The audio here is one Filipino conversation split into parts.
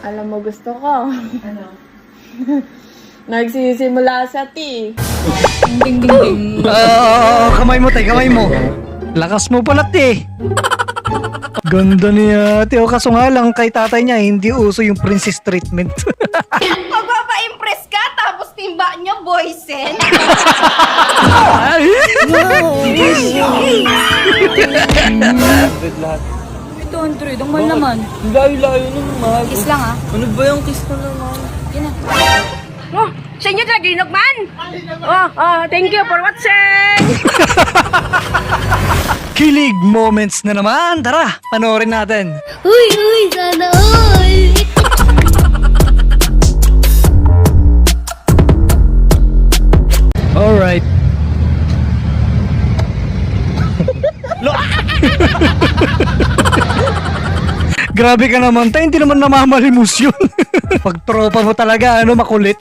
Alam mo gusto ko. Ano? Nagsisimula sa T. Ding ding ding. Kamay mo, tay, kamay mo. Lakas mo pala, te. Ganda niya, te. O kaso nga lang, kay tatay niya, hindi uso yung princess treatment. Magpapa-impress ka tapos timba nyo, boysen. Ito, 100. Ang mahal naman. Layo-layo naman, mahal. Kiss lang ah. Ano ba yung kiss na naman? Yan na. Oh, sa inyo talaga ginugman. Thank you for watching. Kilig moments na naman. Tara, panoorin natin. Uy, sana all! Alright. Grabe ka naman, tay. Hindi naman namamalimos yun. Pag tropa mo talaga, makulit.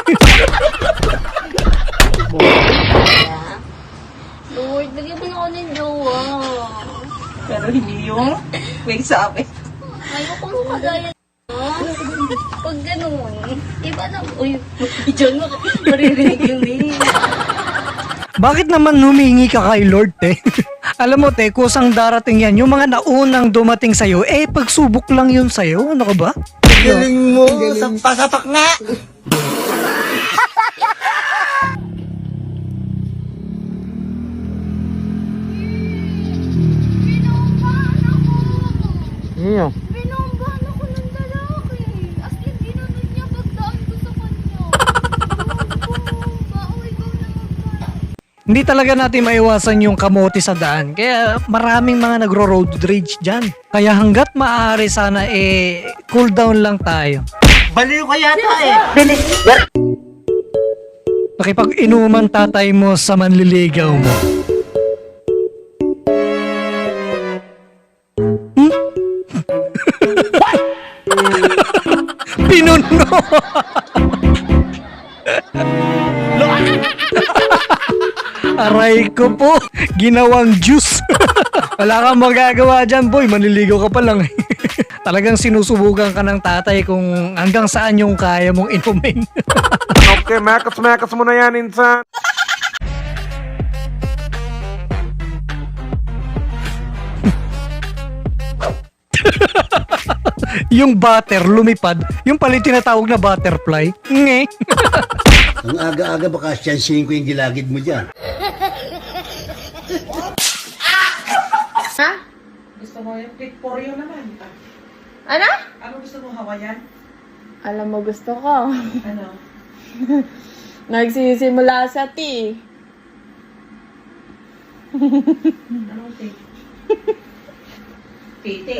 Lord, lagyan mo na ako ng jowa. Pero hindi yung may sabi. Ayoko mo kagaya pag ganun, iba na, uy, dyan mo, maririnig yung name. Bakit naman humingi ka kay Lord, te? Alam mo, te, kusang darating yan. Yung mga naunang dumating sa'yo, pagsubok lang yun sa'yo. Ano ka ba? Galing mo, sampasapak nga. Iyo. Pinambahan ako ng lalaki. As in, ginanod niya pagdaan ko sa kanya. Baoy, ikaw na magpapalala. Hindi talaga natin maiwasan yung kamote sa daan. Kaya maraming mga nagro-road rage dyan. Kaya hanggat maaari sana, cool down lang tayo. Baliw ka yata eh. Nakipag-inuman tatay mo sa manliligaw mo. Pinuno! Aray ko po, ginawang juice. Wala kang magagawa dyan, boy. Manliligaw ka pa lang. Talagang sinusubukan ka ng tatay kung hanggang saan yung kaya mong inumin. Okay, makas mo na yan, insan. Yung butter lumipad, yung pala yung tinatawag na butterfly. Nge. Ang aga-aga baka siyansihin ko yung gilagid mo dyan. Ha? Gusto mo yung click for you naman. Ano? Ano gusto mo, Hawaiian? Alam mo gusto ko. Ano? Nagsisimula sa T. Anong take? Tete.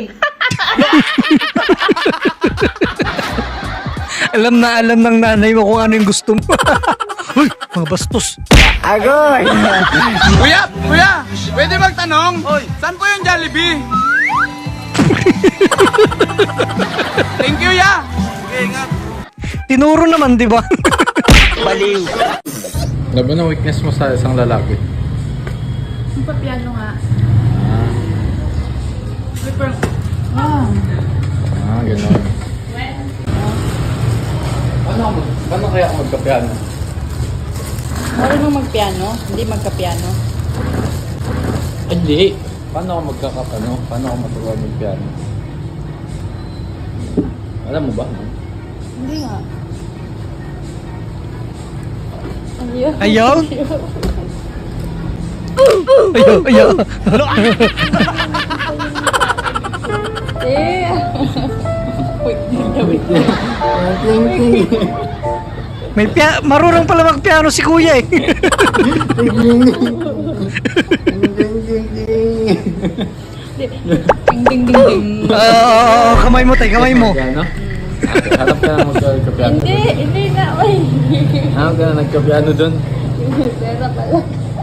Alam na alam ng nanay mo kung ano yung gusto mo. Uy, mga bastos. Kuya! Pwede magtanong? Saan po yung Jollibee? Thank you, ya! Okay, ingat. Tinuro naman, di ba? Baliw. Ano ba na weakness mo sa isang lalaki? Yung papiano nga. Gano'n. Paano kaya ako magkapiano? Marunong magpiano? Hindi magkapiano? Hindi. Paano ako magkakapano? Paano ako maturuan magpiano? Alam mo ba? Hindi nga. Ayaw? Ayaw. May marunong pala magpiano si kuya eh. Ding ding ding ding. Kamay mo, tay, kamay mo. Piano? Harap ka na magkapiano. Hindi na, uy. Harap ka na nagkapiano dun. Pera pala.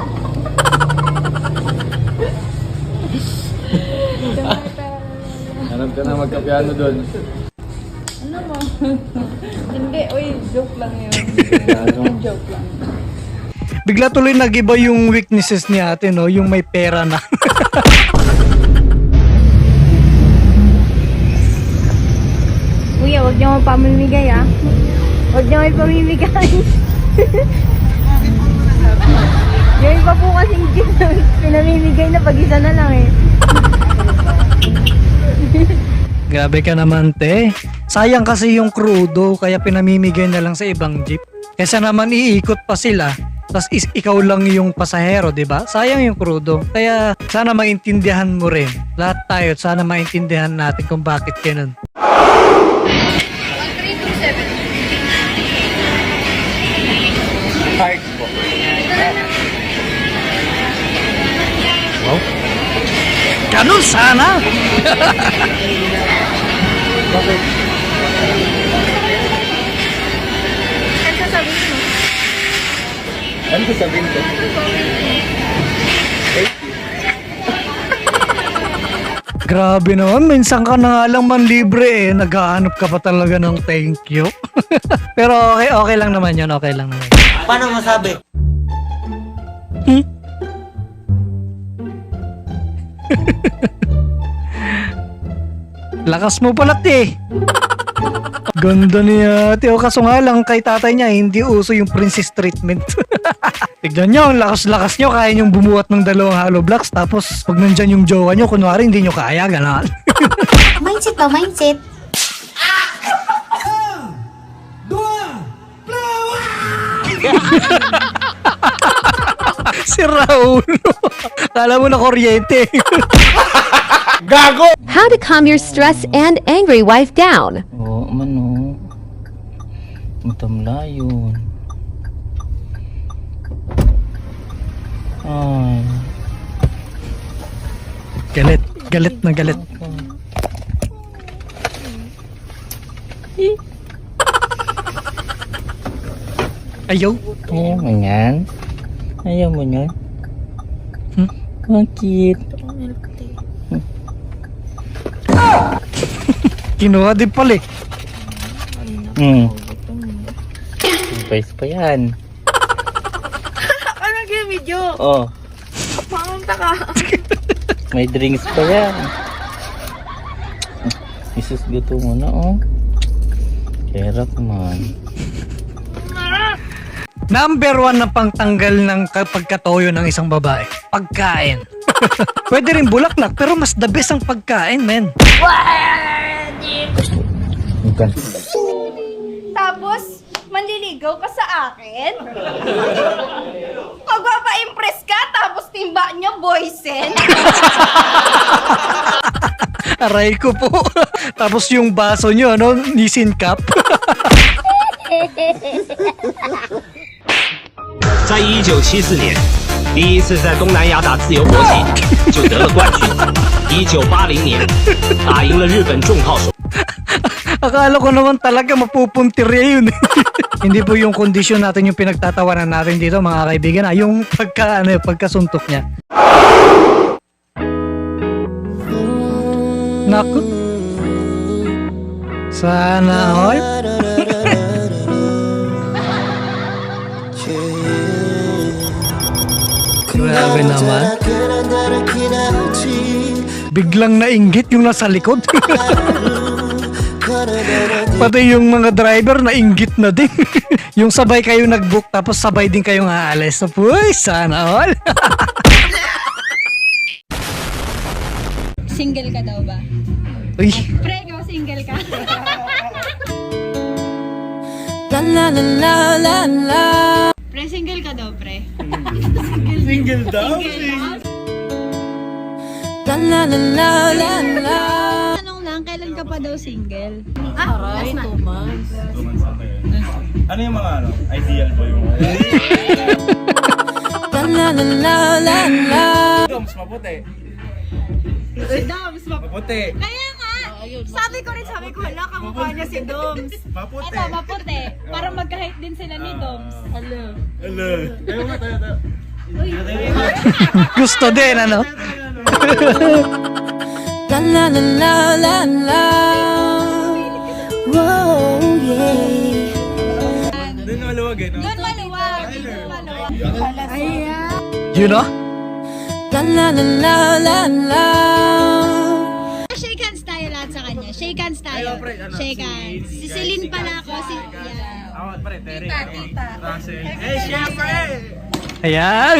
Harap ka na magkapiano dun. Ano mo? Hindi, uy, joke lang yun. Joke lang. Bigla tuloy nag-iba yung weaknesses ni ate, no? Yung may pera na. Uy, Sige, huwag niyo akong pamimigay ah. Huwag niyo akong pamimigay. Yung iba po kasing gift pinamimigay na pag-isa na lang eh. Grabe ka naman, te. Sayang kasi yung krudo, kaya pinamimigay na lang sa ibang jeep. Kesa naman iikot pa sila, tas ikaw lang yung pasahero, di ba? Sayang yung krudo. Kaya sana maintindihan mo rin. Lahat tayo, sana maintindihan natin kung bakit ganun. Heart po. Wow. Ganun sana! Ano sasabihin ko? Grabe naman, minsan ka na nga lang manlibre eh. Naghahanap ka pa talaga ng thank you. Pero okay lang naman yun, okay lang naman. Paano masabi? Lakas mo pala, te. Ganda niya, te. O kaso nga lang, kay tatay niya, hindi uso yung princess treatment. Tignan nyo, ang lakas-lakas nyo, kaya nyong bumuhat ng 2 hollow blocks, tapos pag nandyan yung jowa nyo, kunwari hindi nyo kaya, gano'n. Mindset ba? Mindset? Si Raul. Kala mo na kuryente. How to calm your stressed and angry wife down. Oo, mano. Matamla yun. Ay. Galit, galit na galit. Ayaw. Ayaw mo yan? Ayaw mo yan? Bakit? Kinuha din pala eh. Surprise pa yan. Ano yung video? Oh, Pamunta ka. may drinks pa yan. Isus gusto mo na, oh. Kerap man. Number 1 na pangtanggal ng pagkatoyo ng isang babae. Pagkain. Pwede rin bulaklak, pero mas the best ang pagkain, men. Bukan. Tapos, manliligaw ka sa akin? Magpapa-impress ka, tapos timba niyo boysen? Aray ko po. Tapos yung baso nyo, ano, Nissin Cup. 在1974年，第一次在东南亚打自由搏击就得了冠军。1980年，打赢了日本重炮手。 Akala ko naman talaga mapupuntirya yun. Hindi po yung kondisyon natin yung pinagtatawanan natin dito, mga kaibigan. Yung pagkasuntok niya. Naku. Sana all. Grabe naman. Biglang nainggit yung nasa likod. Pati yung mga driver nainggit na din. Yung sabay kayo nag-book tapos sabay din kayong aalis. Uy, sana all. Single ka daw ba? Uy. Pre, ikaw single ka? Pre, single ka daw, pre? Single daw? Tanong lang, kailan ka pa daw single? Aray, 2 months. Ano yung mga ideal boy mo? Doms, maputi. Si Doms, Maputi. kaya nga, sabi ko, hala, kamukha niya si Doms. Maputi. Ito, maputi. Para magka-height din sila ni Doms. Hello. Tayo nga, tayo. Gusto din, ano? Doon maluwag eh, no? Doon maluwag. You know? Shake hands tayo lahat sa kanya. Shake shake hands tayo. Shake hands. Si Celine pala ako. Ayan.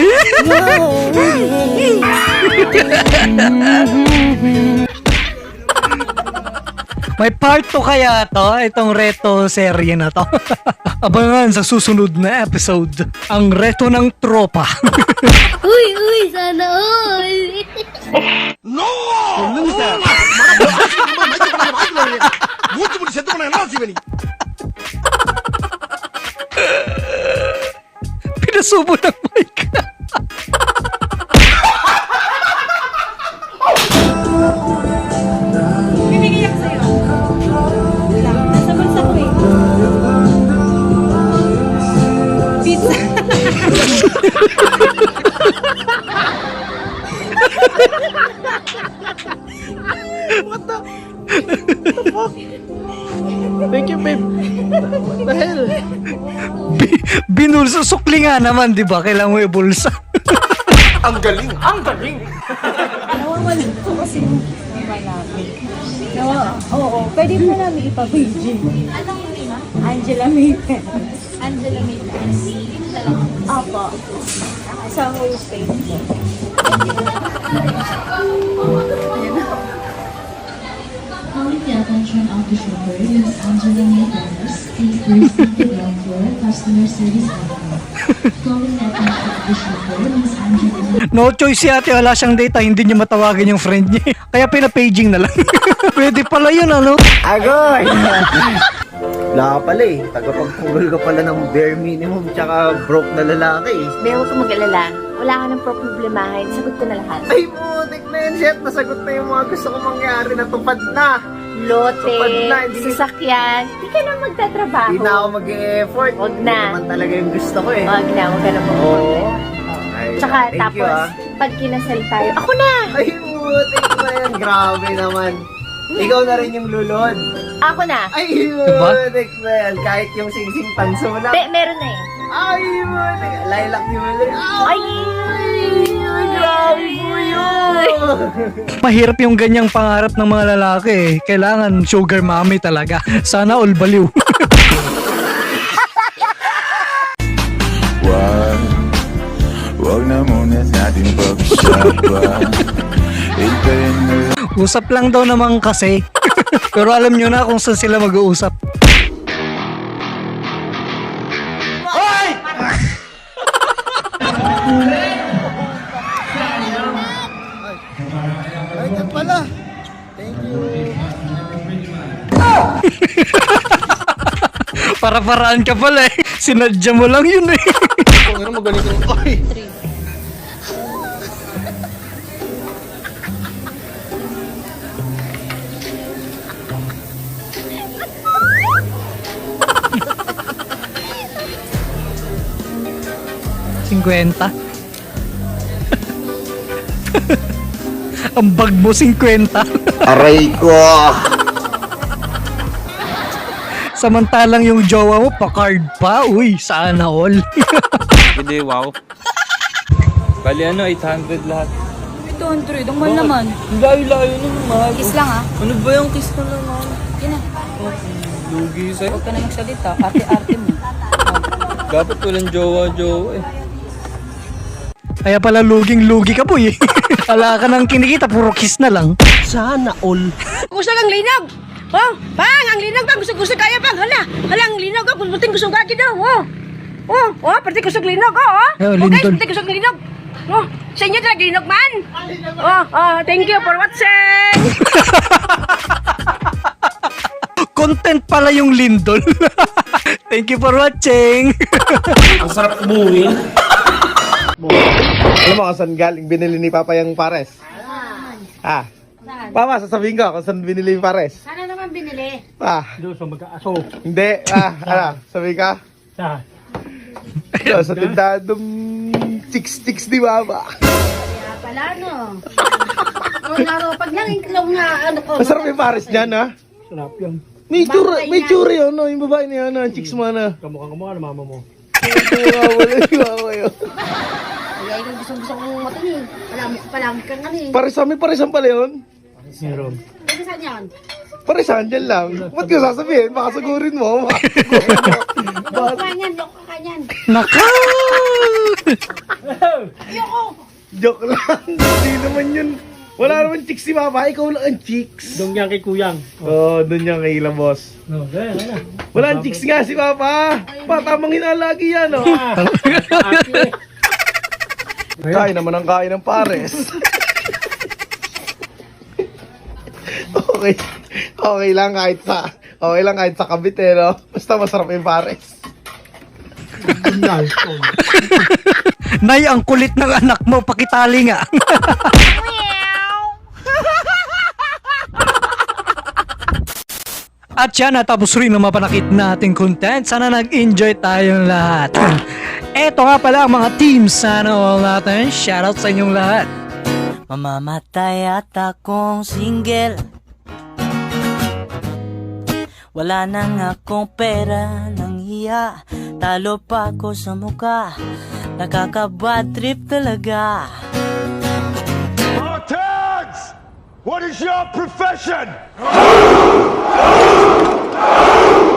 May part 2 kaya to, itong reto serye na to. Abangan sa susunod na episode, ang reto ng tropa. Uy, sana all. Pinasubo ng mic. Bibigyan sa'yo. Nasa bulsa ko eh. Pizza. Thank you, babe. What the hell? Binulsa, sukli nga naman, di ba? Kailangan mo ibulsa. Ang galing! Nawawalan ko kasi yung iba namin. Oo, pwede mo namin ipabigin. Anong ina? Angela Maypen. Angela Maypen. Apo. Sa whole state po. Calling the attention of the chauffeur, Ms. Angela Maypers, please proceed to ground floor, customer service area. Calling the attention of the chauffeur, Ms. Angela Maypers. No choice si ate, wala siyang data, hindi niya matawagan yung friend niya. Kaya pinapaging na lang. Pwede pala yun, ano? Agoy! Wala ka pala eh. Tagapagtanggol ka pala ng bare minimum tsaka broke na lalaki eh. Be, huwag ka mag-alala. Wala ka ng problemahin. Sagot ko na lahat. Ay, putik na yun, Chef. Nasagot na yung mga gusto kong mangyari. Natupad na. Lote, Tupad na, hindi- sasakyan. Hindi ka na magtatrabaho. Hindi na ako mag-e-effort. Wag Hindi na. naman talaga yung gusto ko eh. Wag na, huwag ka na Oo. mag-order. Ay, Tsaka thank you, tapos, ah. pag kinasal tayo, ako na! Ay, putik na yan. Grabe naman. Ikaw na rin yung lulod. Ako na! Ay, Diba? putik na yan. Kahit yung singsing tanso na. Be, meron na eh. Ay, putik. Lilac yung ulit. Ay! Grabe po yun. Mahirap yung ganyang pangarap ng mga lalaki eh. Kailangan sugar mommy talaga. Sana all baliw. Wag na muna natin pag-usapan. Hintayin mo lang. Usap lang daw naman kasi. Pero alam nyo na kung saan sila mag-uusap. Ay, yan pala. Thank you. Para-paraan ka pala eh. Sinadya mo lang yun eh. Kung ano magaling ko. Ay! $50. Ang bag mo, 50. Aray ko! Samantalang yung jowa mo, pa-card pa. Uy, sana all. Hindi, wow. Bali ano, 800 lahat. 200, ang mahal naman. Layo-layo nun, mahal. Kiss lang ah. Ano ba yung kiss na naman? Yan na. Lugi sa'yo. Huwag ka na magsalita. Arte-arte mo. Dapat walang jowa-jowa eh. Kaya pala luging-lugi ka po eh. Wala ka nang kinikita, puro kiss na lang. Sana all. Gusto ang linog! Oh, pang! Ang linog pang! Gusto kaya pang! Hala! Ang linog! Oh, puting gusto gagi daw! Oh, pati gusto linog! Eh, Okay, lindol. pati gusto linog! Oh, sa inyo talaga linog man! Thank you for watching! Content pala yung lindol. Thank you for watching. Ang sarap umuwi. Alam mo kung saan galing binili ni Papa yung pares? Ah. Papa, sasabihin ko kung saan binili yung pares. Sana naman binili. Doon sa mag-aaso. Hindi. Ano? Sabihin ka? Doon sa tindadong chicks ni Mama. Kaya pala, no? Pag lang iklaw nga, ano ko. Masarap yung pares niyan, ha? Sarap yan. May tsura yun, no? Yung babae niya, no? Chicks mo, na. Kamukha na mama mo. Kawawa yun. Kaya yung gusto kong matingin. Palagi kang ano eh. Pares pala yun? Meron. Pwede saan yan? Pare, sandyan lang. Ba't ko sasabihin? Baka sugurin mo. Loko ka niyan, loko ka niyan. Naka! Joke lang. Hindi naman yun. Wala naman chicks si Papa. Ikaw lang ang chicks. Doon yan kay Kuyang. Oo, doon yan kay Ila Boss. No, gaya na. Wala ang chicks nga si Papa. Tamang hinalagi yan, oh. Kain naman ang kain ng pares. Okay. Okay lang kahit sa Cavite, no? Basta masarap yung pares. Nay, ang kulit ng anak mo, pakitali nga. At yan, natapos rin ang mapanakit nating content. Sana nag-enjoy tayong lahat. Eto nga pala ang mga teams sana all natin. Shoutout sa inyong lahat. Mamamatay at akong single. Wala nang akong pera nang hiya. Talo pa ako sa muka. Nakaka-bad trip talaga. Mga tags! What is your profession?